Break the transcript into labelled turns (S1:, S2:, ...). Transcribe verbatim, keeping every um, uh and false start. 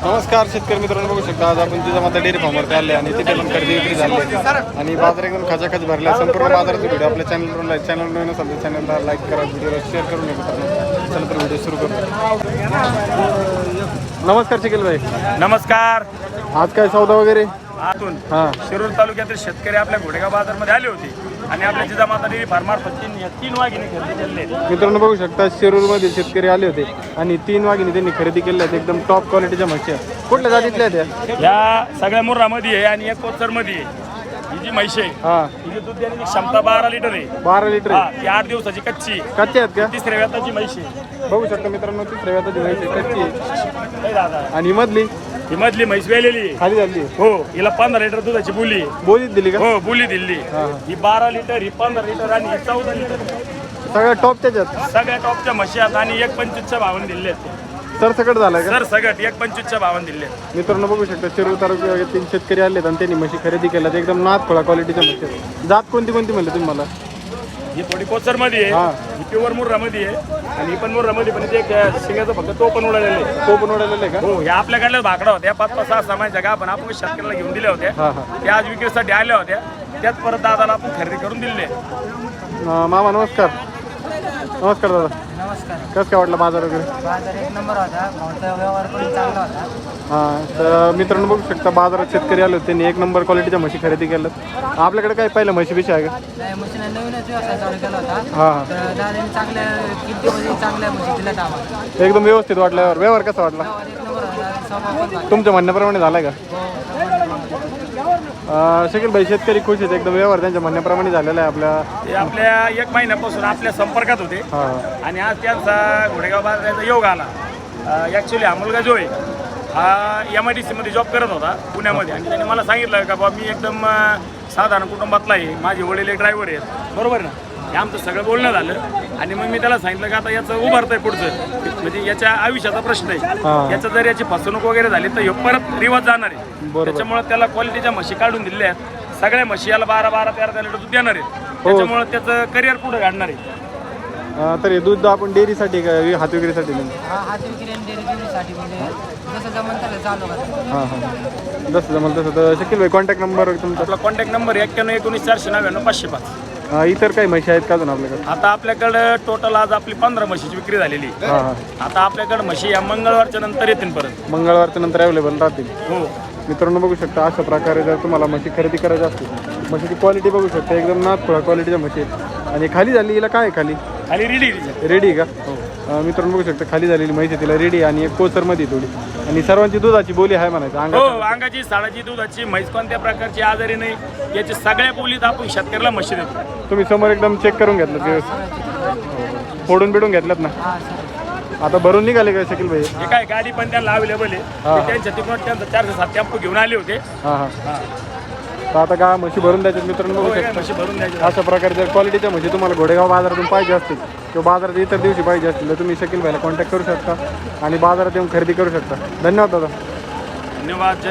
S1: नमस्कार शेतकरी मित्रांनो, बघू शकता आज आपण जिजामाता डेअरी फार्मवरती आले आणि तिथे पण खरेदी विक्री झाली आणि बाजार एकदम खचाखच भरला. संपूर्ण बाजाराचा व्हिडिओ आपल्या चॅनलवर चॅनल नवीन असेल तर चॅनलला लाईक करा, व्हिडिओला शेअर करून घ्या मित्रांनो. चला तर व्हिडिओ सुरू करू. नमस्कार शकील भाई.
S2: नमस्कार.
S1: आज काय सौदा वगैरे?
S2: आतून
S1: हां
S2: शिरूर तालुक्यातील शेतकरी आपल्या घोडेगाव बाजारमध्ये आले होते आणि आपल्या जिजामाता डेअरी फार्मार्फत तीन या तीन वाघिणी खरेदी केले.
S1: मित्रांनो बघू शकता शिरूरमध्ये शेतकरी आले होते आणि तीन वाघिणी त्यांनी खरेदी केल्या आहेत. एकदम टॉप क्वालिटीच्या म्हशी आहेत. कुठल्या जातीतल्या त्या?
S2: या सगळ्या मुर्रामध्ये आहे आणि एक कोचरमध्ये आहे. ही जी म्हैस आहे
S1: हां
S2: हिची दूध देण्याची क्षमता बारा लिटर आहे.
S1: बारा लिटर
S2: हा, ती आठ दिवसाची कच्ची
S1: कच्चे आहेत का?
S2: तिसऱ्या व्याताची म्हैस आहे.
S1: बघू शकता मित्रांनो, तिसऱ्या व्याताची म्हैस आहे, कच्ची आहे.
S2: लय दादा
S1: आणि मधली
S2: ही मधली म्हैस वेलेली आहे.
S1: खाली झाली
S2: हो, हिला पंधरा लिटर दुधाची बोली आहे.
S1: बोलीत दिली का?
S2: हो, बोली दिली.
S1: हा, हा.
S2: ही बारा लिटर, ही पंधरा लिटर आणि ही चौदा लिटर.
S1: सगळ्या टॉप त्याच्यात
S2: सगळ्या टॉपच्या म्हशी आहेत आणि एक पंचवीसच्या भावाने दिले आहेत.
S1: सर सकट झालाय का?
S2: सर सगळं एक पंचवीसच्या भावाने दिले आहेत.
S1: मित्रांनो बघू शकता शिरूर तालुक्यातील शेतकरी आलेत आणि त्यांनी म्हशी खरेदी केल्यात. एकदम नाथ खोळा क्वालिटीच्या म्हशी आहेत. जात कोणती कोणती म्हणले तुम्ही मला?
S2: ही थोडी कोचरमध्ये आहे,
S1: हा.
S2: ही प्युअर मुर्रामध्ये आहे आणि ही पण मुर्रामध्ये पण ते एक शिंगाचं फक्त तो पण उडालेला आहे.
S1: तो पण उडालेला आहे का?
S2: हो, ह्या आपल्याकडल्या भाकडा होत्या पाच पाच सहा सामानच्या का आपण आपण शेतकऱ्याला घेऊन दिल्या होत्या.
S1: हा हा
S2: त्या आज विक्रीसाठी आल्या होत्या. त्याच परत दादाला आपण खरेदी करून दिले.
S1: अं, मामा नमस्कार. नमस्कार दादा.
S3: नमस्कार.
S1: कसं काय वाटलं बाजार वगैरे?
S3: बाजार एक नंबर होता. भावचा व्यवहार पण चांगला होता.
S1: हां तर मित्रांनो बघू शकता बाजारात शेतकरी आले होते. त्यांनी एक नंबर क्वालिटीच्या म्हशी खरेदी केल्यात. आपल्याकडे काय पहिलं म्हशी बिशी आहे का?
S3: नाही, म्हशीने नवीनच व्यवसाय चालू केला होता.
S1: हां हां
S3: तर दादाने चांगल्या किमतीमध्ये चांगल्या म्हशी दिल्यात आम्हाला.
S1: एकदम व्यवस्थित वाटल्यावर व्यवहार कसा वाटला?
S3: व्यवहार एक नंबर होता. स्वभाव पण चांगला.
S1: तुमच्या म्हणण्याप्रमाणे झालाय का?
S3: हो,
S1: अं, शकील भाई शेतकरी खुश आहेत. एकदम व्यवहार त्यांच्या म्हणण्याप्रमाणे झालेला आहे आपल्या.
S2: ते आपल्या एक महिन्यापासून आपल्या संपर्कात होते
S1: हां
S2: आणि आज त्यांचा घोडेगाव बाजाराचा योग आला. ॲक्च्युली हा मुलगा जो आहे हा एम आय डी सीमध्ये जॉब करत होता पुण्यामध्ये आणि त्याने मला सांगितलं का बाबा मी एकदम अं, साधारण कुटुंबातला आहे. माझे वडील एक ड्रायव्हर आहेत. बरोबर ना? हे आमचं सगळं बोलणं झालं आणि मग मी त्याला सांगितलं की आता याचं उभारतं आहे पुढचं, म्हणजे याच्या आयुष्याचा प्रश्न आहे.
S1: हां.
S2: याचं जर याची फसवणूक वगैरे झाली तर हे परत रिवाज जाणार आहे.
S1: बरोबर.
S2: त्याच्यामुळे त्याला क्वालिटीच्या म्हशी काढून दिलेल्या आहेत. सगळ्या म्हशी याला बारा बारा तेरा तेरा लिटर दूध देणार आहेत. त्याच्यामुळे त्याचं करिअर पुढे काढणार आहे.
S1: अं, तर हे दूध आपण डेअरीसाठी का हात विक्रीसाठी नाही?
S3: हा हात विक्री आणि डेअरी विक्रीसाठी म्हणजे जसं जमन तसं चालू करतो.
S1: हां हां जसं जमलं तसं. तर शकील भाई कॉन्टॅक्ट नंबर तुमचा?
S2: आपला कॉन्टॅक्ट नंबर एक्क्याण्णव एकोणीस चारशे नव्याण्णव पाचशे पाच.
S1: अं, इतर काही म्हशी आहेत का अजून आपल्याकडे?
S2: आता आपल्याकडं टोटल आज आपली पंधरा म्हशीची विक्री झालेली आहे.
S1: हां हां
S2: आता आपल्याकडे म्हशी या मंगळवारच्या नंतर येतील परत.
S1: मंगळवारच्या नंतर अवेलेबल राहतील.
S2: हो,
S1: मित्रांनो बघू शकता अशा प्रकारे जर तुम्हाला म्हशी खरेदी करायची असतील, म्हशीची क्वालिटी बघू शकता एकदम नाथखोळा क्वालिटीच्या म्हशी आहेत. आणि खाली झाली हिला काय आहे खाली?
S2: खाली रेडी.
S1: रेडी का? अं, मित्रांनो बघू शकता खाली झालेली म्हैस आहे, तिला रेडी आणि एक कोचरमध्ये थोडी आणि सर्वांची दुधाची बोली आहे म्हणायचं
S2: हो,
S1: अंगात.
S2: अंगाची साडाची दुधाची म्हैस कोणत्या प्रकारची आजारी नाही याची सगळ्या बोलीत आपण शेतकऱ्याला म्हशी देतो.
S1: तुम्ही समोर एकदम चेक करून घेतलं व्यवस्थित, फोडून बिडून घेतल्यात ना?
S3: हा सर.
S1: आता भरून निघाले का शकील भाई?
S2: हे काय गाडी पण त्यांना अवेलेबल आहे.
S1: हा.
S2: ते त्यांच्या तिकडून त्यांचा चारशे सात टेम्पो घेऊन आले होते.
S1: हां हां
S2: हा.
S1: तर आता का म्हशी भरून द्यायच्यात मित्रांनो
S2: हो,
S1: बघू
S2: हे
S1: शकता.
S2: म्हशी भरून द्यायचे.
S1: अशा प्रकारे जर क्वालिटीच्या म्हशी तुम्हाला घोडेगाव बाजारातून पाहिजे असतील किंवा बाजारात इतर दिवशी पाहिजे असतील तर तुम्ही शकील भाईला कॉन्टॅक्ट करू शकता आणि बाजारात येऊन खरेदी करू शकता. धन्यवाद दादा.
S2: धन्यवाद.